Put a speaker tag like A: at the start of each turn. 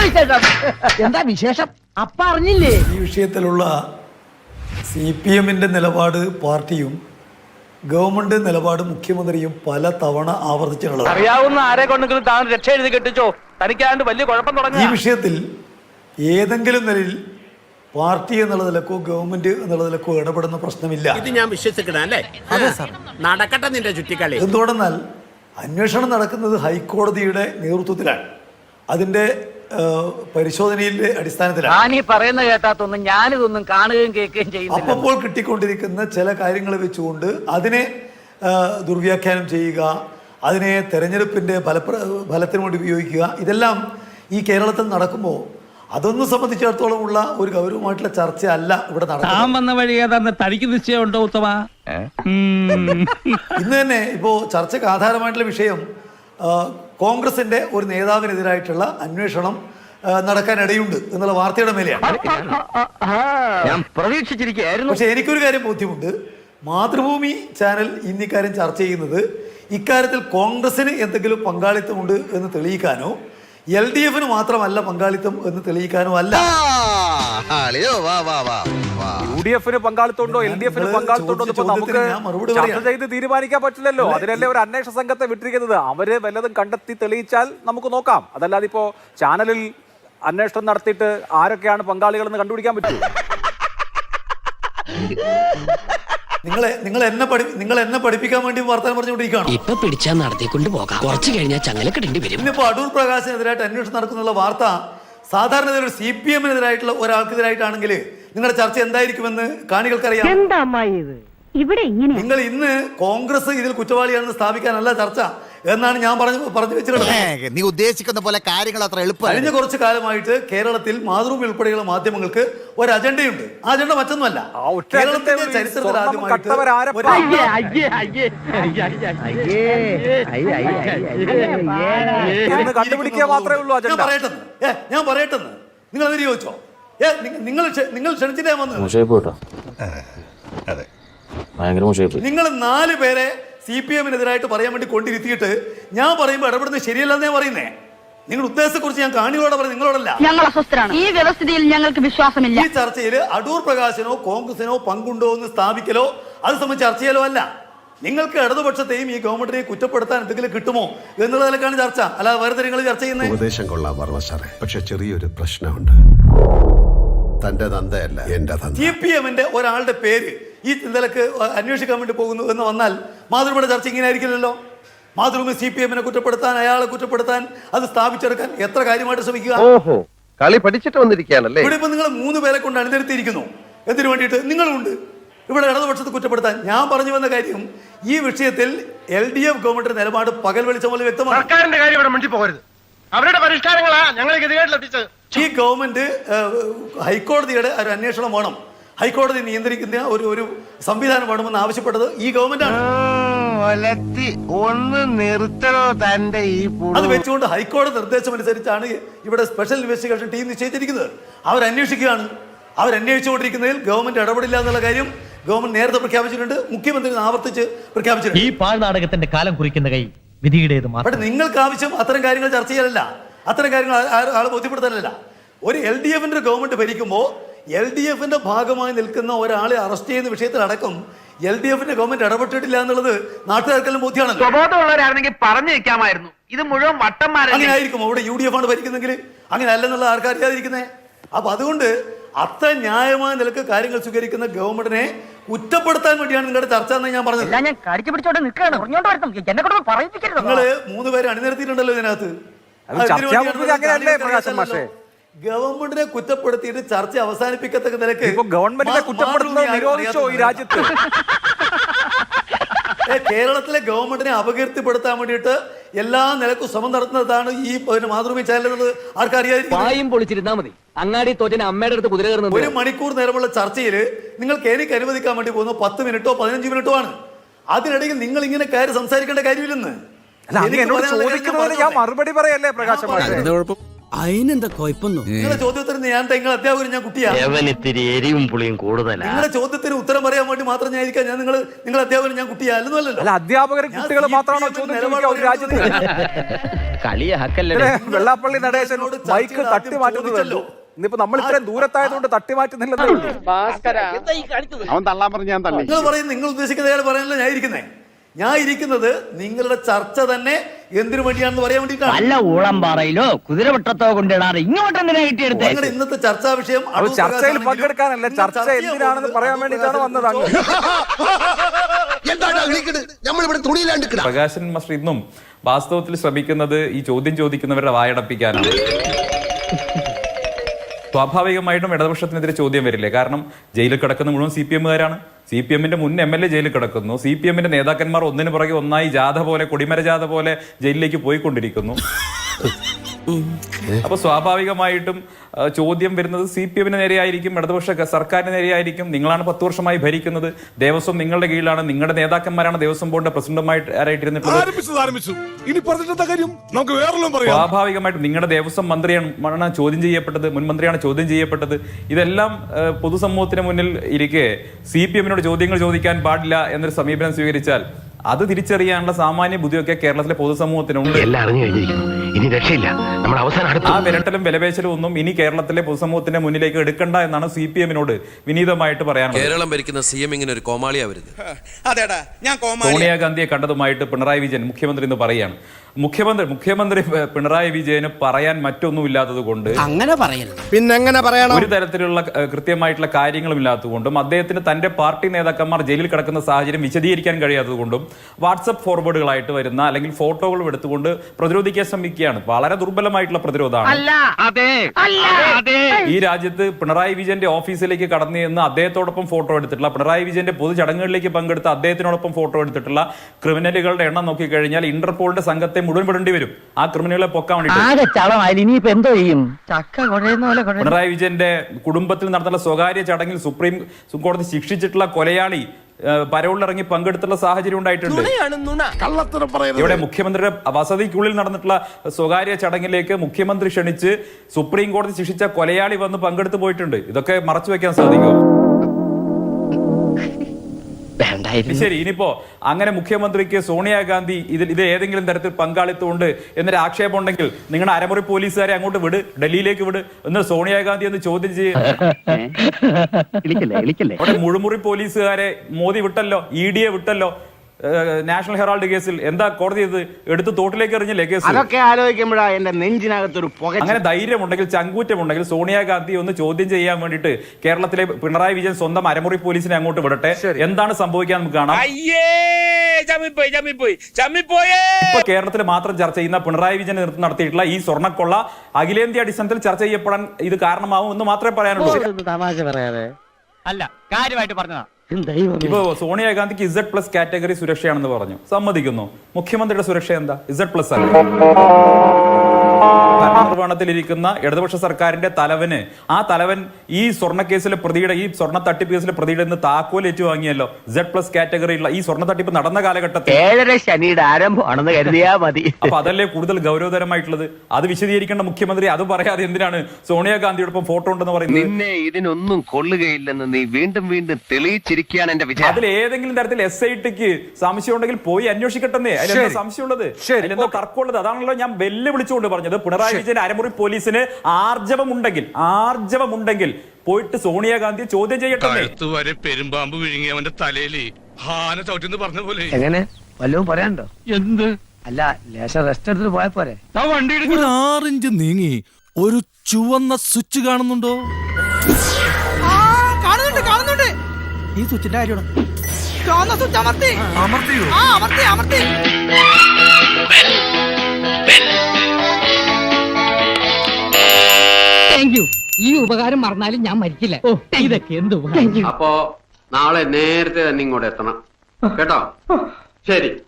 A: എന്താ വിശേഷം? അപ്പ അറിഞ്ഞില്ലേ?
B: ഈ വിഷയത്തിലുള്ള CPM-ന്റെ നിലപാട് പാർട്ടിയും ഗവൺമെന്റ് നിലപാട് മുഖ്യമന്ത്രിയും പല തവണ ആവർത്തിച്ചിട്ടുള്ളത്.
C: അറിയാവുന്ന ആരെ കൊണ്ടെങ്കിലും താൻ രക്ഷ എഴുതി കെട്ടിച്ചോ, തനിക്കാണ്ട് വലിയ കുഴപ്പം തുടങ്ങി.
B: ഈ വിഷയത്തിൽ ഏതെങ്കിലും നിലയിൽ പാർട്ടി എന്നുള്ള നിലക്കോ ഗവൺമെന്റ് എന്നുള്ള നിലക്കോ ഇടപെടുന്ന പ്രശ്നമില്ല.
D: ഇത് ഞാൻ വിശ്വസിക്കണം അല്ലേ? നടക്കട്ടെ നിന്റെ ചുറ്റിക്കളി.
B: എന്തുകൊണ്ടെന്നാൽ അന്വേഷണം നടക്കുന്നത് ഹൈക്കോടതിയുടെ നേതൃത്വത്തിലാണ്. അതിന്റെ പരിശോധനയിലെ അടിസ്ഥാനത്തിലാണ്.
A: പറയുന്ന കേട്ടാത്തൊന്നും ഞാനിതൊന്നും കാണുകയും കേൾക്കുകയും ചെയ്യുന്നില്ല.
B: അപ്പോൾ കിട്ടിക്കൊണ്ടിരിക്കുന്ന ചില കാര്യങ്ങൾ വെച്ചുകൊണ്ട് അതിനെ ദുർവ്യാഖ്യാനം ചെയ്യുക, അതിനെ തെരഞ്ഞെടുപ്പിന്റെ ഫലത്തിന് വേണ്ടി ഉപയോഗിക്കുക, ഇതെല്ലാം ഈ കേരളത്തിൽ നടക്കുമ്പോൾ അതൊന്നും സംബന്ധിച്ചിടത്തോളം ഉള്ള ഒരു ഗൗരവമായിട്ടുള്ള ചർച്ച അല്ല ഇവിടെ
C: നടക്കുന്നത്.
B: ഇന്ന് തന്നെ ഇപ്പോ ചർച്ചയ്ക്ക് ആധാരമായിട്ടുള്ള വിഷയം കോൺഗ്രസിന്റെ ഒരു നേതാവിനെതിരായിട്ടുള്ള അന്വേഷണം നടക്കാനിടയുണ്ട് എന്നുള്ള വാർത്തയുടെ മേലെയാണ്.
A: ഞാൻ പ്രതീക്ഷിച്ചിരിക്കുകയായിരുന്നു.
B: പക്ഷെ എനിക്കൊരു കാര്യം ബോധ്യമുണ്ട്. മാതൃഭൂമി ചാനൽ ഇന്നിക്കാര്യം ചർച്ച ചെയ്യുന്നത് ഇക്കാര്യത്തിൽ കോൺഗ്രസിന് എന്തെങ്കിലും പങ്കാളിത്തമുണ്ട് എന്ന് തെളിയിക്കാനോ LDF-ന് മാത്രമല്ല പങ്കാളിത്തം എന്ന് തെളിയിക്കാനോ അല്ല.
E: UDF-ന് പങ്കാളിത്തമുണ്ടോ LDF-ന് പങ്കാളിത്തമുണ്ടോ നമുക്ക് ചർച്ച ചെയ്ത് തീരുമാനിക്കാൻ പറ്റില്ലല്ലോ. അതിനല്ലേ ഒരു അന്വേഷണ സംഘത്തെ വിട്ടിരിക്കുന്നത്. അവര് വല്ലതും കണ്ടെത്തി തെളിയിച്ചാൽ നമുക്ക് നോക്കാം. അതല്ലാതെ ഇപ്പോ ചാനലിൽ അന്വേഷണം നടത്തിയിട്ട് ആരൊക്കെയാണ് പങ്കാളികളെന്ന് കണ്ടുപിടിക്കാൻ പറ്റുമോ?
B: നിങ്ങൾ എന്നെ പഠിപ്പിക്കാൻ വേണ്ടി വർത്തമാനം പറഞ്ഞുകൊണ്ടിരിക്കുകയാണ്.
F: ഇപ്പൊ പിടിച്ചാൽ നടത്തിക്കൊണ്ട് പോകാം, കുറച്ച് കഴിഞ്ഞാൽ ചങ്ങലക്കിടേണ്ടി വരും.
B: ഇന്നിപ്പോ അടൂർ പ്രകാശിനെതിരായിട്ട് അന്വേഷണം നടക്കുന്നുള്ള വാർത്ത സാധാരണ ഒരു CPM-നെതിരായിട്ടുള്ള ഒരാൾക്കെതിരായിട്ടാണെങ്കിൽ നിങ്ങളുടെ ചർച്ച എന്തായിരിക്കുമെന്ന് കാണികൾക്കറിയാം. നിങ്ങൾ ഇന്ന് കോൺഗ്രസ് ഇതിൽ കുറ്റവാളിയാണെന്ന് സ്ഥാപിക്കാനല്ല ചർച്ച എന്നാണ് ഞാൻ പറഞ്ഞു വെച്ചിട്ടുള്ളത്.
G: നീ ഉദ്ദേശിക്കുന്ന പോലെ കാര്യങ്ങൾ അത്ര എളുപ്പം.
B: കഴിഞ്ഞ കുറച്ചു കാലമായിട്ട് കേരളത്തിൽ മാതൃഭൂമി ഉൾപ്പെടെയുള്ള മാധ്യമങ്ങൾക്ക് ഒരു അജണ്ടയുണ്ട്. ആ അജണ്ട മറ്റൊന്നുമല്ല. കേരളത്തിന്റെ ചരിത്രത്തിൽ ആദ്യമായിട്ട് ഞാൻ പറയട്ടെന്ന് നിങ്ങൾ അതിന് ചോദിച്ചോ? നിങ്ങൾ ക്ഷണിച്ചിട്ടേ വന്നത്. നിങ്ങൾ 4 പേരെ CPM-നെതിരായിട്ട് പറയാൻ വേണ്ടി കൊണ്ടിരുത്തിയിട്ട് ഞാൻ പറയുമ്പോൾ ഇടപെടുന്നത് ശരിയല്ലെന്ന് ഞാൻ പറയുന്നേ. നിങ്ങളുടെ ഉദ്ദേശത്തെക്കുറിച്ച് ഞാൻ കാണികളോടെ പറയും, നിങ്ങളോടല്ല.
H: ഞങ്ങൾ അസ്വസ്ഥരാണ്. ഈ വ്യവസ്ഥയിൽ ഞങ്ങൾക്ക് വിശ്വാസമില്ല.
B: ഈ ചർച്ചയിൽ അടൂർ പ്രകാശനോ കോൺഗ്രസിനോ പങ്കുണ്ടോ എന്ന് സ്ഥാപിക്കലോ അത് സംബന്ധിച്ച് ചർച്ച ചെയ്യലോ അല്ല. നിങ്ങൾക്ക് ഇടതുപക്ഷത്തെയും ഈ ഗവൺമെന്റിനെയും കുറ്റപ്പെടുത്താൻ എന്തെങ്കിലും കിട്ടുമോ എന്നുള്ളതിലേക്കാണ് ചർച്ച, അല്ലാതെ വേറെ നിങ്ങൾ ചർച്ച ചെയ്യുന്നത്.
I: ഉപദേശം കൊള്ളാം വർമ്മ സാറേ, പക്ഷെ ചെറിയൊരു പ്രശ്നമുണ്ട്. തന്റെ തന്തയല്ല എന്റെ തന്ത.
B: CPM-ന്റെ ഒരാളുടെ പേര് ഈ നിലക്ക് അന്വേഷിക്കാൻ വേണ്ടി പോകുന്നു എന്ന് വന്നാൽ മാതൃഭൂമിയുടെ ചർച്ച ഇങ്ങനെ ആയിരിക്കില്ലല്ലോ. മാതൃഭൂമി CPM-നെ കുറ്റപ്പെടുത്താൻ, അയാളെ കുറ്റപ്പെടുത്താൻ, അത് സ്ഥാപിച്ചെടുക്കാൻ എത്ര കാര്യമായിട്ട് ശ്രമിക്കുക.
J: കളി പഠിച്ചിട്ട് വന്നിരിക്കുകയാണല്ലേ.
B: ഇവിടെ ഇപ്പൊ നിങ്ങൾ 3 പേരെ കൊണ്ട് അണിനിരത്തിയിരിക്കുന്നു. എന്തിനു വേണ്ടിയിട്ട്? നിങ്ങളുണ്ട് ഇവിടെ ഇടതുപക്ഷത്ത് കുറ്റപ്പെടുത്താൻ. ഞാൻ പറഞ്ഞു വന്ന കാര്യം, ഈ വിഷയത്തിൽ LDF ഗവൺമെന്റിന്റെ നിലപാട് പകൽ വെളിച്ചം പോലെ വ്യക്തമാണ്.
J: സർക്കാരിന്റെ കാര്യം ഇവിടെ മിണ്ടി പോകരുത്. അവരുടെ പരിഷ്കാരങ്ങളാ ഞങ്ങളെ ഗതികേട്ടിലെത്തിച്ചത്.
B: ഈ ഗവൺമെന്റ് ഹൈക്കോടതിയുടെ ഒരു അന്വേഷണം വേണം, ഹൈക്കോടതി നിയന്ത്രിക്കുന്ന ഒരു സംവിധാനം വേണമെന്ന് ആവശ്യപ്പെട്ടത് ഈ ഗവൺമെന്റാണ്. അത് വെച്ചുകൊണ്ട് ഹൈക്കോടതി നിർദ്ദേശം അനുസരിച്ചാണ് ഇവിടെ സ്പെഷ്യൽ ഇൻവെസ്റ്റിഗേഷൻ ടീം നിശ്ചയിച്ചിരിക്കുന്നത്. അവരന്വേഷിക്കുകയാണ്. അവരന്വേഷിച്ചുകൊണ്ടിരിക്കുന്നതിൽ ഗവൺമെന്റ് ഇടപെടില്ല എന്നുള്ള കാര്യം ഗവൺമെന്റ് നേരത്തെ പ്രഖ്യാപിച്ചിട്ടുണ്ട്. മുഖ്യമന്ത്രി ആവർത്തിച്ച് പ്രഖ്യാപിച്ചിട്ടുണ്ട്.
C: ഈ പാഴ്നാടകത്തിന്റെ കാലം കുറിക്കുന്ന കൈ വിധിയുടേത്.
B: പക്ഷെ നിങ്ങൾക്ക് ആവശ്യം അത്തരം കാര്യങ്ങൾ ചർച്ച ചെയ്യലല്ല, അത്തരം കാര്യങ്ങൾ ആളെ ബോധ്യപ്പെടുത്താനല്ല. ഒരു LDF-ന്റെ ഗവൺമെന്റ് ഭരിക്കുമ്പോൾ LDF-ന്റെ ഭാഗമായി നിൽക്കുന്ന ഒരാളെ അറസ്റ്റ് ചെയ്യുന്ന വിഷയത്തിലടക്കം LDF-ന്റെ ഗവൺമെന്റ് ഇടപെട്ടിട്ടില്ല എന്നുള്ളത് നാട്ടുകാർക്കെല്ലാം ബോധ്യമാണല്ലോ.
C: സ്വബോധമുള്ളവരായിരുന്നെങ്കിൽ പറഞ്ഞു വെക്കാമായിരുന്നു. ഇത് മുഴുവൻ വട്ടന്മാരല്ലേ.
B: അങ്ങനെ ആയിരിക്കും അവിടെ UDF ആണ് ഭരിക്കുന്നെങ്കിൽ. അങ്ങനെ അല്ലെന്നുള്ള ആർക്കറിയാതിരിക്കുന്നേ. അപ്പൊ അതുകൊണ്ട് അത്ര ന്യായമായ നിലക്ക് കാര്യങ്ങൾ സ്വീകരിക്കുന്ന ഗവൺമെന്റിനെ കുറ്റപ്പെടുത്താൻ വേണ്ടിയാണ് നിങ്ങളുടെ ചർച്ച എന്ന് ഞാൻ പറഞ്ഞത്.
A: ഞാൻ കടിച്ചു പിടിച്ചോണ്ട് നിൽക്കുകയാണ്.
B: നിങ്ങൾ 3 പേരെ അണിനിരത്തിയിട്ടുണ്ടല്ലോ ഇതിനകത്ത്. ഗവൺമെന്റിനെ കുറ്റപ്പെടുത്തിയിട്ട് ചർച്ച അവസാനിപ്പിക്കത്തക്ക നിലക്ക്
E: ഗവൺമെന്റിനെ കുറ്റപ്പെടുത്തുന്നത് നിരോധിച്ചോ ഈ രാജ്യത്ത്?
B: കേരളത്തിലെ ഗവൺമെന്റിനെ അപകീർത്തിപ്പെടുത്താൻ വേണ്ടിയിട്ട് എല്ലാ നിലക്കും ശ്രമം നടത്തുന്നതാണ് ഈ മാതൃഭൂമി ചാനൽ.
A: ആർക്കറിയാം പൊളിച്ചിരുന്നാ മതി. അങ്ങാടി തോറ്റന് അമ്മയുടെ അടുത്ത് കുതിര കയറുന്നത്.
B: 1 മണിക്കൂർ നേരമുള്ള ചർച്ചയിൽ നിങ്ങൾക്ക് എനിക്ക് അനുവദിക്കാൻ വേണ്ടി പോകുന്ന 10 മിനിറ്റോ 15 മിനിറ്റോ ആണ്. അതിനിടയിൽ നിങ്ങൾ ഇങ്ങനെ കയറി സംസാരിക്കേണ്ട കാര്യമില്ലെന്ന്
E: എന്നോട് ചോദിക്കുന്നതിന് ഞാൻ മറുപടി പറയല്ലേ പ്രകാശ് മാഷേ?
D: അതിനെന്താ കുഴപ്പമൊന്നും?
B: നിങ്ങളുടെ ചോദ്യത്തിന് നിങ്ങളെ അധ്യാപകൻ ഞാൻ കുട്ടിയാ.
F: ഇത്തിരി എരിവും പുളിയും കൂടുതലാ.
B: നിങ്ങളുടെ ചോദ്യത്തിന് ഉത്തരം പറയാൻ വേണ്ടി മാത്രം ഞാൻ ഇരിക്കാം. ഞാൻ നിങ്ങളുടെ അധ്യാപകൻ ഞാൻ കുട്ടിയാ അല്ലല്ലോ.
E: അല്ല, അധ്യാപകരും കുട്ടികൾ മാത്രമാണോ ചോദ്യം ചോദിക്കുക ഒരു രാജ്യത്ത്?
F: കളിയാക്കല്ലേ.
E: വെള്ളാപ്പള്ളി നടേശൻ മൈക്ക് തട്ടി മാറ്റുന്നതല്ലോ. ഇന്നിപ്പോ നമ്മൾ ഇത്രയും ദൂരത്തായതുകൊണ്ട് തട്ടി മാറ്റുന്നില്ലെന്നേ ഉള്ളൂ.
J: അവൻ തള്ളാൻ പറഞ്ഞ് ഞാൻ തള്ളി.
B: നിങ്ങൾ പറയുന്നത് നിങ്ങൾ ഉദ്ദേശിക്കുന്ന പറയാനല്ല ഞാൻ ഇരിക്കുന്നത് നിങ്ങളുടെ ചർച്ച തന്നെ എന്തിനു വേണ്ടിയാണെന്ന് പറയാൻ വേണ്ടിയിട്ടാണ്.
F: വല്ല ഊളംപാറയിലോ കുതിരവട്ടത്തോ കൊണ്ടിടാറ് ഇങ്ങോട്ട് എന്തിനാ കിട്ടിയെടുത്ത്?
B: നിങ്ങളുടെ ഇന്നത്തെ ചർച്ചാ വിഷയം
E: അത് ചർച്ചയിൽ പങ്കെടുക്കാനല്ല, ചർച്ച എന്തിനാണെന്ന് പറയാൻ വേണ്ടിയിട്ടാണ് വന്നത്.
K: പ്രകാശൻ മാസ്റ്റർ ഇന്നും വാസ്തവത്തിൽ ശ്രമിക്കുന്നത് ഈ ചോദ്യം ചോദിക്കുന്നവരുടെ വായടപ്പിക്കാനാണ്. സ്വാഭാവികമായിട്ടും ഇടതുപക്ഷത്തിനെതിരെ ചോദ്യം വരില്ലേ? കാരണം ജയിലിൽ കിടക്കുന്ന മുഴുവൻ CPM-കാരാണ്. CPM-ന്റെ മുൻ MLA ജയിലിൽ കിടക്കുന്നു. CPM-ന്റെ നേതാക്കന്മാർ ഒന്നിനു പുറകെ ഒന്നായി ജാഥ പോലെ, കൊടിമര ജാഥ പോലെ ജയിലിലേക്ക് പോയിക്കൊണ്ടിരിക്കുന്നു. അപ്പൊ സ്വാഭാവികമായിട്ടും ചോദ്യം വരുന്നത് CPM-ന് നേരെയായിരിക്കും, ഇടതുപക്ഷ സർക്കാരിന് നേരെയായിരിക്കും. നിങ്ങളാണ് 10 വർഷമായി ഭരിക്കുന്നത്, ദേവസ്വം നിങ്ങളുടെ കീഴിലാണ്, നിങ്ങളുടെ നേതാക്കന്മാരാണ് ദേവസ്വം ബോർഡിന്റെ പ്രസിഡന്റുമായിട്ടിരുന്നിട്ടുള്ളത്. സ്വാഭാവികമായിട്ടും നിങ്ങളുടെ ദേവസ്വം മന്ത്രിയാണ് ചോദ്യം ചെയ്യപ്പെട്ടത്, മുൻ മന്ത്രിയാണ് ചോദ്യം ചെയ്യപ്പെട്ടത്. ഇതെല്ലാം പൊതുസമൂഹത്തിന് മുന്നിൽ ഇരിക്കെ CPM-നോട് ചോദ്യങ്ങൾ ചോദിക്കാൻ പാടില്ല എന്നൊരു സമീപനം സ്വീകരിച്ചാൽ അത് തിരിച്ചറിയാനുള്ള സാമാന്യ ബുദ്ധിയൊക്കെ കേരളത്തിലെ പൊതുസമൂഹത്തിനുണ്ട്.
F: ഇനി രക്ഷയില്ല. നമ്മൾ അവസാനം
K: ആ വിരട്ടലും വിലപേശലും ഒന്നും ഇനി കേരളത്തിലെ പൊതുസമൂഹത്തിന്റെ മുന്നിലേക്ക് എടുക്കണ്ട എന്നാണ് CPM-നോട് വിനീതമായിട്ട് പറയാനുള്ളത്.
L: കേരളം ഭരിക്കുന്ന CM ഇങ്ങനെ ഒരു കോമാളിയാവരുത്.
K: സോണിയാഗാന്ധിയെ കണ്ടതുമായിട്ട് പിണറായി വിജയൻ മുഖ്യമന്ത്രി എന്ന് പറയാണ്. മുഖ്യമന്ത്രി പിണറായി വിജയന് പറയാൻ മറ്റൊന്നുമില്ലാത്തത് കൊണ്ട്
D: അങ്ങനെ പറയരുത്.
G: പിന്നെ എങ്ങനെ പറയണം?
K: ഒരു തരത്തിലുള്ള കൃത്യമായിട്ടുള്ള കാര്യങ്ങളും ഇല്ലാത്തതുകൊണ്ടും അദ്ദേഹത്തിന് തന്റെ പാർട്ടി നേതാക്കന്മാർ ജയിലിൽ കിടക്കുന്ന സാഹചര്യം വിശദീകരിക്കാൻ കഴിയാത്തത് കൊണ്ടും വാട്സപ്പ് ഫോർവേഡുകളായിട്ട് വരുന്ന അല്ലെങ്കിൽ ഫോട്ടോകൾ എടുത്തുകൊണ്ട് പ്രതിരോധിക്കാൻ ശ്രമിക്കുകയാണ്. വളരെ ദുർബലമായിട്ടുള്ള പ്രതിരോധമാണ്. ഈ രാജ്യത്ത് പിണറായി വിജയന്റെ ഓഫീസിലേക്ക് കടന്നു ചെന്ന് അദ്ദേഹത്തോടൊപ്പം ഫോട്ടോ എടുത്തിട്ടുള്ള, പിണറായി വിജയന്റെ പൊതു ചടങ്ങുകളിലേക്ക് പങ്കെടുത്ത അദ്ദേഹത്തിനോടൊപ്പം ഫോട്ടോ എടുത്തിട്ടുള്ള ക്രിമിനലുകളുടെ എണ്ണം നോക്കിക്കഴിഞ്ഞാൽ ഇന്റർപോളിന്റെ സംഘത്തെ മുഴുവൻ വിടേണ്ടി വരും ആ ക്രിമിനലുകളെ പൊക്കാൻ വേണ്ടി. പിണറായി വിജയന്റെ കുടുംബത്തിൽ നടത്തുന്ന സ്വകാര്യ ചടങ്ങിൽ സുപ്രീം കോടതി ശിക്ഷിച്ചിട്ടുള്ള കൊലയാളി പരോളിലിറങ്ങി പങ്കെടുത്തുള്ള സാഹചര്യം ഉണ്ടായിട്ടുണ്ട്. ഇവിടെ മുഖ്യമന്ത്രിയുടെ വസതിക്കുള്ളിൽ നടന്നിട്ടുള്ള സ്വകാര്യ ചടങ്ങിലേക്ക് മുഖ്യമന്ത്രി ക്ഷണിച്ച് സുപ്രീം കോടതി ശിക്ഷിച്ച കൊലയാളി വന്ന് പങ്കെടുത്തു പോയിട്ടുണ്ട്. ഇതൊക്കെ മറച്ചു വെക്കാൻ സാധിക്കും. ശരി, ഇനിയിപ്പോ അങ്ങനെ മുഖ്യമന്ത്രിക്ക് സോണിയാഗാന്ധി ഇത് ഏതെങ്കിലും തരത്തിൽ പങ്കാളിത്തമുണ്ട് എന്നൊരു ആക്ഷേപം ഉണ്ടെങ്കിൽ നിങ്ങളുടെ അരമുറി പോലീസുകാരെ അങ്ങോട്ട് വിട്, ഡൽഹിയിലേക്ക് വിട്, എന്നിട്ട് സോണിയാഗാന്ധി എന്ന് ചോദ്യം ചെയ്യും. അവിടെ മുഴുമുറി പോലീസുകാരെ മോദി വിട്ടല്ലോ, ED-യെ വിട്ടല്ലോ. നാഷണൽ ഹെറാൾഡ് കേസിൽ എന്താ കോടതി എടുത്ത് തോട്ടിലേക്ക് എറിഞ്ഞില്ലേ കേസ്?
C: അതൊക്കെ ആലോചിക്കുമ്പോഴാ എന്റെ നെഞ്ചിനകത്തൊരു പുക.
K: അങ്ങനെ ധൈര്യമുണ്ടെങ്കിൽ, ചങ്കൂറ്റമുണ്ടെങ്കിൽ സോണിയാഗാന്ധി ഒന്ന് ചോദ്യം ചെയ്യാൻ വേണ്ടിയിട്ട് കേരളത്തിലെ പിണറായി വിജയൻ സ്വന്തം അരമുറി പോലീസിനെ അങ്ങോട്ട് വിടട്ടെ. എന്താണ് സംഭവിക്കാൻ നമുക്ക് കാണാം. ഇപ്പൊ കേരളത്തിൽ മാത്രം ചർച്ച ചെയ്യുന്ന പിണറായി വിജയൻ നേതൃത്വം നടത്തിയിട്ടുള്ള ഈ സ്വർണ്ണക്കൊള്ള അഖിലേന്ത്യാ അടിസ്ഥാനത്തിൽ ചർച്ച ചെയ്യപ്പെടാൻ ഇത് കാരണമാവും എന്ന് മാത്രമേ പറയാനുള്ളൂ.
F: തമാശ പറയാതെ അല്ല, കാര്യമായിട്ട് പറഞ്ഞതാ.
K: ഇപ്പൊ സോണിയാഗാന്ധിക്ക് Z+ കാറ്റഗറി സുരക്ഷയാണെന്ന് പറഞ്ഞു, സമ്മതിക്കുന്നു. മുഖ്യമന്ത്രിയുടെ സുരക്ഷ എന്താ? Z+ അല്ല. ഭരണനിർവഹണത്തിലിരിക്കുന്ന ഇടതുപക്ഷ സർക്കാരിന്റെ തലവൻ ഈ സ്വർണ്ണ കേസിലെ പ്രതിയുടെ, ഈ സ്വർണ്ണ തട്ടിപ്പ് കേസിലെ പ്രതിയുടെ നിന്ന് താക്കോൽ ഏറ്റുവാങ്ങിയല്ലോ. Z+ കാറ്റഗറിയുള്ള ഈ സ്വർണ്ണ തട്ടിപ്പ് നടന്ന കാലഘട്ടത്തിൽ
F: 7 ശനിയുടെ ആരംഭമാണെന്ന് കരുതിയാ മതി.
K: അപ്പൊ അതല്ലേ കൂടുതൽ ഗൗരവതരമായിട്ടുള്ളത്? അത് വിശദീകരിക്കേണ്ട മുഖ്യമന്ത്രി അത് പറയാതെ എന്തിനാണ് സോണിയാഗാന്ധിയോടൊപ്പം ഫോട്ടോ ഉണ്ടെന്ന് പറയുന്നത്?
L: നിന്നെ ഇതിനൊന്നും കൊള്ളുകയില്ലെന്ന് നീ വീണ്ടും വീണ്ടും തെളിയിച്ചിരിക്കുകയാണ് എന്റെ വിചാരം.
K: അതിൽ ഏതെങ്കിലും തരത്തിൽ SITക്ക് സംശയം ഉണ്ടെങ്കിൽ പോയി അന്വേഷിക്കട്ടെ. അതിലെന്താ സംശയമുള്ളത്? അതിലെന്താ തർക്കമുള്ളത്? അതാണല്ലോ ഞാൻ വെല്ലുവിളിച്ചുകൊണ്ട് പറഞ്ഞത്. പിണറായി വിജയൻ അരമുറി പോലീസിന് ആർജവമുണ്ടെങ്കിൽ പോയിട്ട് സോണിയാഗാന്ധിയെ ചോദ്യം ചെയ്യട്ടെ.
J: പെരുമ്പാമ്പ് വിഴുങ്ങി അവന്റെ തലയിൽ ഹാന ചവിട്ടിന്ന് പറഞ്ഞ പോലെ.
F: എങ്ങനെ വല്ലതും പറയാനുണ്ടോ? എന്ത്? അല്ല, ലേശം റെസ്റ്റ് എടുത്തിട്ട് പോയ പോരെ.
D: 6 ഇഞ്ച് നീങ്ങി ഒരു ചുവന്ന സ്വിച്ച് കാണുന്നുണ്ടോ? കാണുന്നുണ്ട്. ഈ സ്വിച്ചിന്റെ കാര്യമാണ്. അമർത്തി.
F: ഈ ഉപകാരം മറന്നാലും ഞാൻ മരിക്കില്ല. ഇതൊക്കെ എന്ത്?
L: അപ്പോ നാളെ നേരത്തെ തന്നെ ഇങ്ങോട്ട് എത്തണം കേട്ടോ. ശരി.